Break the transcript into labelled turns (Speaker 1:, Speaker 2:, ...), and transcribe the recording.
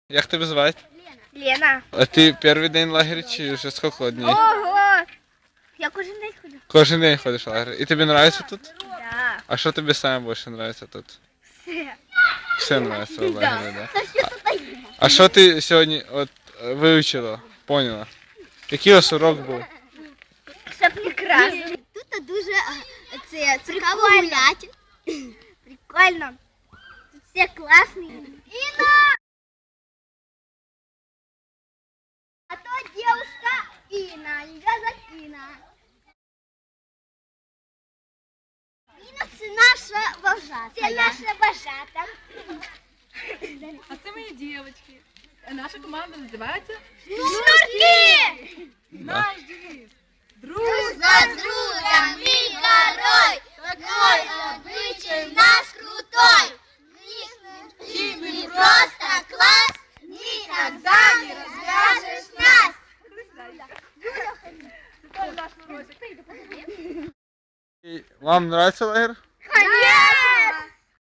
Speaker 1: Як тебе звати?
Speaker 2: Лена.
Speaker 1: А ти перший день лагеря чи вже скільки днів?
Speaker 2: Ого! Я кожен день ходжу.
Speaker 1: Кожен день ходиш в лагерь. І тобі подобається тут?
Speaker 2: Да.
Speaker 1: А що тобі саме більше подобається тут?
Speaker 2: Все.
Speaker 1: Все подобається в лагері, да? А що ти сьогодні от вивчила, поняла? Який у вас урок був?
Speaker 2: Все прекрасно.
Speaker 3: Тут дуже цікаво гуляти.
Speaker 2: Прикольно. Тут все классные. Инна! А то девушка Инна, ее зовут Инна.
Speaker 3: Інна – це наша вожата.
Speaker 2: Це наша вожата.
Speaker 4: А це мої дівчатки. Наша команда називається
Speaker 2: Шнурки!
Speaker 4: «Наш девіз». Друг
Speaker 3: За друга ми горой, такой обычай наш крутой. Мы просто класс, никогда не развяжешь нас.
Speaker 1: Вам подобається лагерь?